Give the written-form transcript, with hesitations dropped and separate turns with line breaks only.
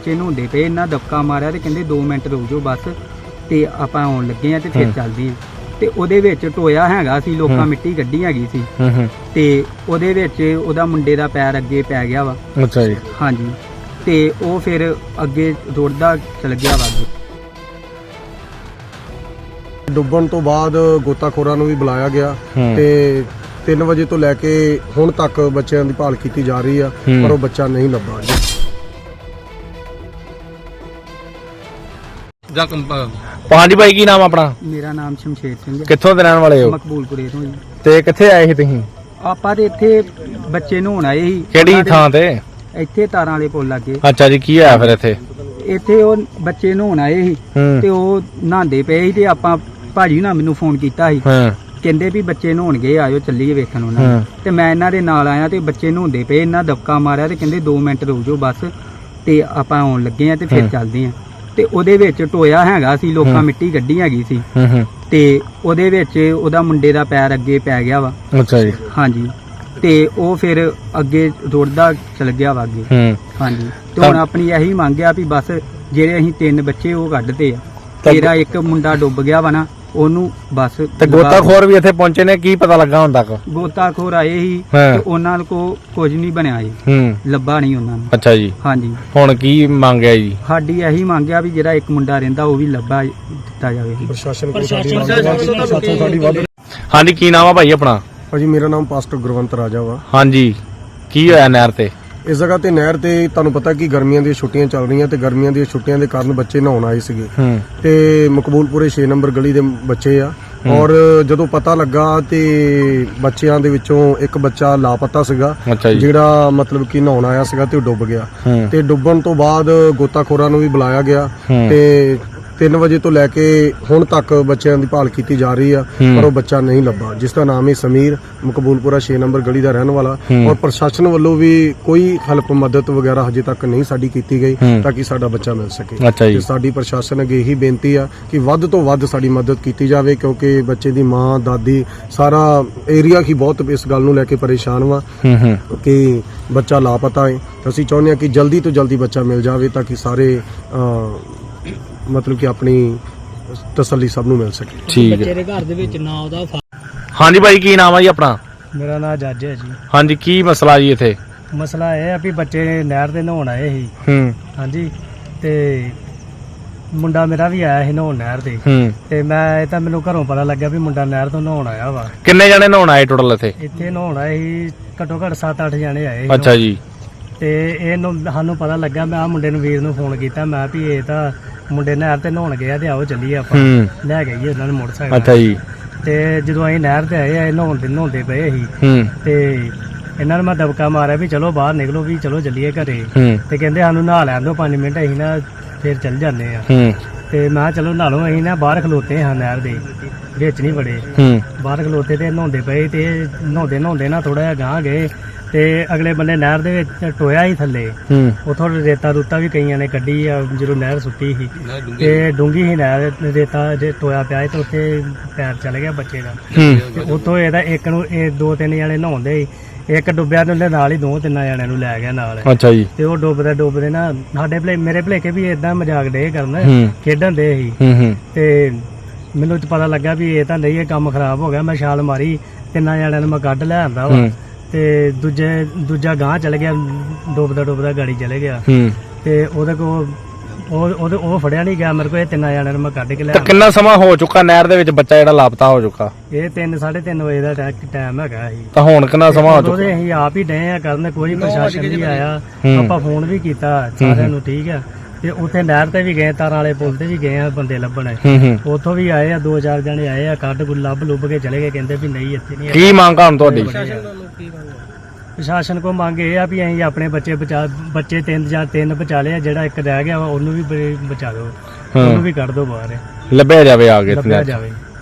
ਬੱਚੇ ਨਹਾਉਂਦੇ ਪਏ, ਇਹਨਾਂ ਦਬਕਾ ਮਾਰਿਆ ਤੇ ਕਹਿੰਦੇ 2 ਮਿੰਟ ਰੁਕ ਜਾਓ ਬਸ ਤੇ ਆਪਾਂ ਆਉਣ ਲੱਗੇ ਆ ਤੇ ਫਿਰ ਚੱਲਦੇ ਆ। ਤੇ ਉਹਦੇ ਵਿੱਚ ਟੋਇਆ ਹੈਗਾ ਸੀ, ਲੋਕਾਂ ਮਿੱਟੀ ਕੱਢੀ ਹੈਗੀ ਸੀ ਤੇ ਉਹਦੇ ਵਿੱਚ ਉਹਦਾ ਮੁੰਡੇ ਦਾ ਪੈਰ ਅੱਗੇ ਪੈ ਗਿਆ ਵਾ।
ਅੱਛਾ ਜੀ।
ਹਾਂਜੀ, ਤੇ ਉਹ ਫਿਰ ਅੱਗੇ ਰੁੜਦਾ ਚਲ ਗਿਆ ਵਾ।
ਡੁੱਬਣ ਤੋਂ ਬਾਅਦ ਗੋਤਾਖੋਰਾਂ ਨੂੰ ਵੀ ਬੁਲਾਇਆ ਗਿਆ ਤੇ 3 ਵਜੇ ਤੋਂ ਲੈ ਕੇ ਹੁਣ ਤੱਕ ਬੱਚਿਆਂ ਦੀ ਭਾਲ ਕੀਤੀ ਜਾ ਰਹੀ ਆ, ਪਰ ਉਹ ਬੱਚਾ ਨਹੀਂ ਲੱਭਾ।
ਹਾਂਜੀ ਭਾਈ, ਕੀ ਨਾਮ ਆਪਣਾ?
ਮੇਰਾ ਨਾਮ ਸ਼ਮਸ਼ੇਰ ਸਿੰਘ ਹੈ।
ਕਿੱਥੋਂ ਦੇ ਰਹਿਣ ਵਾਲੇ ਹੋ?
ਮਕਬੂਲਪੁਰੇ ਤੋਂ ਜੀ।
ਤੇ ਕਿੱਥੇ ਆਏ ਸੀ ਤੁਸੀਂ?
ਆਪਾਂ ਤੇ ਇੱਥੇ ਬੱਚੇ ਨਹਾਉਣ ਆਏ ਸੀ।
ਕਿਹੜੀ ਥਾਂ ਤੇ?
ਇੱਥੇ ਤਾਰਾਂ ਵਾਲੇ ਪੁੱਲ ਲੱਗੇ।
ਅੱਛਾ ਜੀ, ਕੀ ਹੋਇਆ ਫਿਰ ਇੱਥੇ?
ਇੱਥੇ ਉਹ ਬੱਚੇ ਨਹਾਉਣ ਆਏ ਸੀ ਤੇ ਉਹ ਨਹਾਉਂਦੇ ਪਏ ਸੀ ਤੇ ਆਪਾਂ ਭਾਜੀ ਨਾਲ ਮੈਨੂੰ ਫੋਨ ਕੀਤਾ ਸੀ, ਕਹਿੰਦੇ ਵੀ ਬੱਚੇ ਨਹਾਉਣਗੇ, ਆਇਓ ਚੱਲੀਏ ਵੇਖਣ ਉਹਨਾਂ ਤੇ ਮੈਂ ਇਹਨਾਂ ਦੇ ਨਾਲ ਆਇਆ ਤੇ ਬੱਚੇ ਨਹਾਉਂਦੇ ਪਏ, ਇਹਨਾਂ ਦਬਕਾ ਮਾਰਿਆ ਤੇ ਕਹਿੰਦੇ 2 ਮਿੰਟ ਰੁਕ ਜਾਓ ਬਸ ਤੇ ਆਪਾਂ ਆਉਣ ਲੱਗੇ ਆ ਤੇ ਫਿਰ ਚੱਲਦੇ ਆ। ਤੇ ਉਹਦੇ ਵਿੱਚ ਟੋਇਆ ਹੈਗਾ ਸੀ, ਲੋਕਾਂ ਮਿੱਟੀ ਕੱਢੀ ਹੈਗੀ ਸੀ ਤੇ ਉਹਦੇ ਵਿੱਚ ਉਹਦਾ ਮੁੰਡੇ ਦਾ ਪੈਰ ਅੱਗੇ ਪੈ ਗਿਆ ਵਾ।
ਅੱਛਾ ਜੀ।
ਹਾਂਜੀ, ਤੇ ਉਹ ਫਿਰ ਅੱਗੇ ਰੁੜਦਾ ਚਲ ਗਿਆ ਵਾ ਅੱਗੇ। ਹਾਂਜੀ, ਤੇ ਹੁਣ ਆਪਣੀ ਇਹੀ ਮੰਗ ਆ ਵੀ ਬਸ ਜਿਹੜੇ ਅਸੀਂ 3 ਬੱਚੇ ਉਹ ਕੱਢਦੇ ਆ, ਤੇਰਾ ਇੱਕ ਮੁੰਡਾ ਡੁੱਬ ਗਿਆ ਵਾ ਨਾ, ਉਹਨੂੰ ਬਸ।
ਤੇ ਗੋਤਾਖੋਰ ਵੀ ਇੱਥੇ ਪਹੁੰਚੇ ਨੇ, ਕੀ ਪਤਾ ਲੱਗਾ ਹੁਣ ਤੱਕ?
ਗੋਤਾਖੋਰ ਆਏ ਸੀ ਤੇ ਉਹਨਾਂ ਕੋ ਕੁਝ ਨਹੀਂ ਬਣਿਆ ਜੀ, ਲੱਭਾ ਨਹੀਂ ਉਹਨਾਂ ਨੂੰ।
ਅੱਛਾ ਜੀ।
ਹਾਂਜੀ,
ਹੁਣ ਕੀ ਮੰਗਿਆ ਜੀ?
ਸਾਡੀ ਇਹੀ ਮੰਗਿਆ ਵੀ ਜਿਹੜਾ ਇੱਕ ਮੁੰਡਾ ਰਹਿੰਦਾ ਉਹ ਵੀ ਲੱਭਾ ਦਿੱਤਾ ਜਾਵੇ।
ਪ੍ਰਸ਼ਾਸਨ ਕੋਲ ਸਾਡੀ ਵੱਧ।
ਹਾਂਜੀ, ਕੀ ਨਾਮ ਆ ਭਾਈ ਆਪਣਾ?
ਭਾਜੀ ਮੇਰਾ ਨਾਮ ਪਾਸਟਰ ਗੁਰਵੰਤ ਰਾਜਾ ਵਾ।
ਹਾਂਜੀ, ਕੀ ਹੋਇਆ ਨਹਿਰ ਤੇ?
ਇਸ ਜਗ੍ਹਾ ਤੇ ਨਹਿਰ ਤੇ ਤੁਹਾਨੂੰ ਪਤਾ ਕਿ ਗਰਮੀਆਂ ਦੀਆਂ ਛੁੱਟੀਆਂ ਚੱਲ ਰਹੀਆਂ ਤੇ ਗਰਮੀਆਂ ਦੀਆਂ ਛੁੱਟੀਆਂ ਦੇ ਕਾਰਨ ਬੱਚੇ ਨਹਾਉਣ ਆਏ ਸੀਗੇ ਤੇ ਮਕਬੂਲਪੁਰੇ 6 ਨੰਬਰ ਗਲੀ ਦੇ ਬੱਚੇ ਆ। ਔਰ ਜਦੋਂ ਪਤਾ ਲੱਗਾ ਤੇ ਬੱਚਿਆਂ ਦੇ ਵਿੱਚੋਂ ਇੱਕ ਬੱਚਾ ਲਾਪਤਾ ਸੀਗਾ, ਜਿਹੜਾ ਮਤਲਬ ਕਿ ਨਹਾਉਣ ਆਇਆ ਸੀਗਾ ਤੇ ਉਹ ਡੁੱਬ ਗਿਆ। ਤੇ ਡੁੱਬਣ ਤੋਂ ਬਾਅਦ ਗੋਤਾਖੋਰਾਂ ਨੂੰ ਵੀ ਬੁਲਾਇਆ ਗਿਆ ਤੇ 3 ਵਜੇ ਤੋਂ ਲੈ ਕੇ ਹੁਣ ਤੱਕ ਬੱਚਿਆਂ ਦੀ ਭਾਲ ਕੀਤੀ ਜਾ ਰਹੀ ਆ, ਪਰ ਉਹ ਬੱਚਾ ਨਹੀਂ ਲੱਭਾ, ਜਿਸ ਦਾ ਨਾਮ ਹੈ ਸਮੀਰ, ਮਕਬੂਲਪੁਰਾ 6 ਨੰਬਰ ਗਲੀ ਦਾ ਰਹਿਣ ਵਾਲਾ। ਔਰ ਪ੍ਰਸ਼ਾਸਨ ਵੱਲੋਂ ਵੀ ਕੋਈ ਹੈਲਪ ਮਦਦ ਵਗੈਰਾ ਹਜੇ ਤੱਕ ਨਹੀਂ ਸਾਡੀ ਕੀਤੀ ਗਈ ਤਾਂ ਕਿ ਸਾਡਾ ਬੱਚਾ ਮਿਲ ਸਕੇ। ਤੇ ਸਾਡੀ ਪ੍ਰਸ਼ਾਸਨ ਅੱਗੇ ਇਹੀ ਬੇਨਤੀ ਆ ਕਿ ਵੱਧ ਤੋਂ ਵੱਧ ਸਾਡੀ ਮਦਦ ਕੀਤੀ ਜਾਵੇ, ਕਿਉਂਕਿ ਬੱਚੇ ਦੀ ਮਾਂ, ਦਾਦੀ, ਸਾਰਾ ਏਰੀਆ ਹੀ ਬਹੁਤ ਇਸ ਗੱਲ ਨੂੰ ਲੈ ਕੇ ਪਰੇਸ਼ਾਨ ਵਾ ਕਿ ਬੱਚਾ ਲਾਪਤਾ ਹੈ। ਅਸੀਂ ਚਾਹੁੰਦੇ ਹਾਂ ਕਿ ਜਲਦੀ ਤੋਂ ਜਲਦੀ ਬੱਚਾ ਮਿਲ ਜਾਵੇ ਤਾਂ ਕਿ ਸਾਰੇ ਮਤਲਬ ਕਿ ਆਪਣੀ ਤਸੱਲੀ ਸਭ ਨੂੰ ਮਿਲ ਸਕੇ।
ਠੀਕ ਹੈ।
ਬੱਚੇ ਦੇ ਘਰ ਦੇ ਵਿੱਚ ਨਾ ਉਹਦਾ।
ਹਾਂਜੀ ਭਾਈ, ਕੀ ਨਾਮ ਆ ਜੀ ਆਪਣਾ?
ਮੇਰਾ ਨਾਮ ਜੱਜ ਹੈ ਜੀ।
ਹਾਂਜੀ, ਕੀ ਮਸਲਾ ਜੀ ਇੱਥੇ?
ਮਸਲਾ ਇਹ ਆ ਵੀ ਬੱਚੇ ਨਹਿਰ ਦੇ ਨਹਾਉਣ ਆਏ ਸੀ। ਹਾਂਜੀ, ਤੇ ਮੁੰਡਾ ਮੇਰਾ ਵੀ ਆਇਆ ਸੀ ਨਹਾਉਣ ਨਹਿਰ ਦੇ ਤੇ ਮੈਂ ਤਾਂ ਮੈਨੂੰ ਘਰੋਂ ਪਤਾ ਲੱਗਿਆ ਵੀ ਮੁੰਡਾ ਨਹਿਰ ਤੋਂ ਨਹਾਉਣ ਆਇਆ ਵਾ।
ਕਿੰਨੇ ਜਣੇ ਨਹਾਉਣ ਆਏ ਟੋਟਲ ਇੱਥੇ?
ਇੱਥੇ ਨਹਾਉਣ ਆਏ ਸੀ ਘੱਟੋ ਘੱਟ 7-8 ਜਣੇ ਆਏ।
ਅੱਛਾ ਜੀ।
ਤੇ ਇਹਨੂੰ ਸਾਨੂੰ ਪਤਾ ਲੱਗਾ, ਮੈਂ ਆ ਮੁੰਡੇ ਨੂੰ, ਵੀਰ ਨੂੰ ਫੋਨ ਕੀਤਾ, ਮੈਂ ਵੀ ਇਹ ਤਾਂ ਮੁੰਡੇ ਨਹਿਰ ਤੇ ਨਹਾਉਣ ਗਿਆ ਤੇ ਆਓ ਚੱਲੀਏ ਆਪਾਂ ਲੈ ਗਏ ਜੀ ਉਹਨਾਂ ਨੇ ਮੋਟਰਸਾਈਕਲ।
ਅੱਛਾ ਜੀ।
ਤੇ ਜਦੋਂ ਅਸੀਂ ਨਹਿਰ ਤੇ ਆਏ, ਨਹਾਉਂਦੇ ਪਏ ਸੀ ਤੇ ਇਹਨਾਂ ਨੂੰ ਮੈਂ ਦਬਕਾ ਮਾਰਿਆ ਵੀ ਚਲੋ ਬਾਹਰ ਨਿਕਲੋ, ਵੀ ਚਲੋ ਚੱਲੀਏ ਘਰੇ। ਤੇ ਕਹਿੰਦੇ ਸਾਨੂੰ ਨਹਾ ਲੈਣ ਦਿਓ 5 ਮਿੰਟ, ਅਸੀਂ ਨਾ ਫਿਰ ਚੱਲ ਜਾਂਦੇ ਆ। ਤੇ ਮੈਂ ਚਲੋ ਨਹਾ ਲਓ, ਅਸੀਂ ਨਾ ਬਾਹਰ ਖਲੋਤੇ ਹਾਂ ਨਹਿਰ ਦੇ ਵਿੱਚ, ਨਹੀਂ ਬੜੇ ਬਾਹਰ ਖਲੋਤੇ ਤੇ ਨਹਾਉਂਦੇ ਪਏ ਤੇ ਨਹਾਉਂਦੇ ਨਾ ਥੋੜਾ ਜਿਹਾ ਗਾਂਹ ਗਏ ਤੇ ਅਗਲੇ ਬੰਨੇ ਨਹਿਰ ਦੇ ਵਿੱਚ ਟੋਇਆ ਹੀ ਥੱਲੇ, ਉਥੋਂ ਰੇਤਾ ਰੂਤਾ ਵੀ ਕਈਆਂ ਨੇ ਕੱਢੀ ਆ ਜਦੋਂ ਨਹਿਰ ਸੁੱਟੀ ਸੀ ਤੇ ਡੂੰਗੀ ਸੀ ਨਹਿਰ, ਰੇਤਾ ਜੇ ਟੋਇਆ ਪਿਆ ਤੇ ਉੱਥੇ ਪੈਰ ਚਲ ਗਿਆ ਬੱਚੇ ਦਾ। ਤੇ ਉੱਥੋਂ ਇਹਦਾ ਇੱਕ ਨੂੰ 2-3 ਜਣੇ ਨਹਾਉਂਦੇ, ਇੱਕ ਡੁੱਬਿਆ ਤੇ ਉਹਦੇ ਨਾਲ ਹੀ 2-3 ਜਣਿਆਂ ਨੂੰ ਲੈ ਗਿਆ ਨਾਲ।
ਅੱਛਾ ਜੀ।
ਤੇ ਉਹ ਡੁੱਬਦੇ ਨਾ ਸਾਡੇ ਮੇਰੇ ਭਲੇਕੇ ਵੀ ਏਦਾਂ ਮਜ਼ਾਕ ਡੇ ਕਰਨ, ਖੇਡਣ ਦੇ ਸੀ। ਤੇ ਮੈਨੂੰ ਪਤਾ ਲੱਗਾ ਵੀ ਇਹ ਤਾਂ ਨਹੀਂ, ਇਹ ਕੰਮ ਖਰਾਬ ਹੋ ਗਿਆ। ਮੈਂ ਛਾਲ ਮਾਰੀ, 3 ਜਣਿਆਂ ਨੂੰ ਮੈਂ ਕੱਢ ਲੈ ਆਂਦਾ ਵਾ ਤੇ ਦੂਜਾ ਗਾਂਹ ਚਲ ਗਿਆ, ਡੁੱਬਦਾ ਗਾੜੀ ਚਲੇ ਗਿਆ ਤੇ ਉਹਦੇ ਕੋਲ ਉਹ ਫੜਿਆ ਨਹੀਂ ਗਿਆ ਮੇਰੇ ਕੋਲ। ਇਹ 3 ਜਣਿਆਂ ਨੂੰ ਮੈਂ ਕੱਢ ਕੇ ਲਿਆ।
ਕਿੰਨਾ ਸਮਾਂ ਹੋ ਚੁੱਕਾ ਨਹਿਰ ਦੇ ਵਿੱਚ ਬੱਚਾ ਜਿਹੜਾ ਲਾਪਤਾ ਹੋ ਚੁੱਕਾ?
ਇਹ 3-3:30 ਵਜੇ ਦਾ ਟਾਈਮ ਹੈਗਾ ਸੀ।
ਤਾਂ ਹੁਣ ਕਿੰਨਾ ਸਮਾਂ ਹੋ ਚੁੱਕਾ?
ਅਸੀਂ ਆਪ ਹੀ ਡਏ ਆ ਕਰਨ, ਕੋਈ ਪ੍ਰਸ਼ਾਸਨ ਨਹੀਂ ਆਇਆ। ਆਪਾਂ ਫੋਨ ਵੀ ਕੀਤਾ ਸਾਰਿਆਂ ਨੂੰ, ਠੀਕ ਆ। ਤੇ ਉੱਥੇ ਨਹਿਰ ਤੇ ਵੀ ਗਏ, ਤਾਰਾਂ ਵਾਲੇ ਪੁਲ ਤੇ ਵੀ ਗਏ ਆ ਬੰਦੇ ਲੱਭਣ, ਉੱਥੋਂ ਵੀ ਆਏ ਆ 2-4 ਜਣੇ ਆਏ ਆ, ਕੱਢ ਲੱਭ ਕੇ ਚਲੇ ਗਏ, ਕਹਿੰਦੇ ਵੀ ਨਹੀਂ ਇੱਥੇ ਨਹੀਂ।
ਕੀ ਮੰਗ ਹੁਣ ਤੁਹਾਡੀ?
ਪ੍ਰਸ਼ਾਸਨ ਕੋ ਮੰਗ ਇਹ ਆ ਵੀ ਅਸੀਂ ਆਪਣੇ ਬੱਚੇ 3 ਬਚਾ ਲਏ, ਜਿਹੜਾ ਇੱਕ ਰਹਿ ਗਿਆ ਉਹਨੂੰ ਵੀ ਬਚਾ ਦਿਓ, ਉਹਨੂੰ ਵੀ ਕੱਢ ਦਿਓ ਬਾਹਰ,
ਲੱਭਿਆ ਜਾਵੇ ਆ ਕੇ।
ਲੱਭਿਆ ਜਾਵੇ।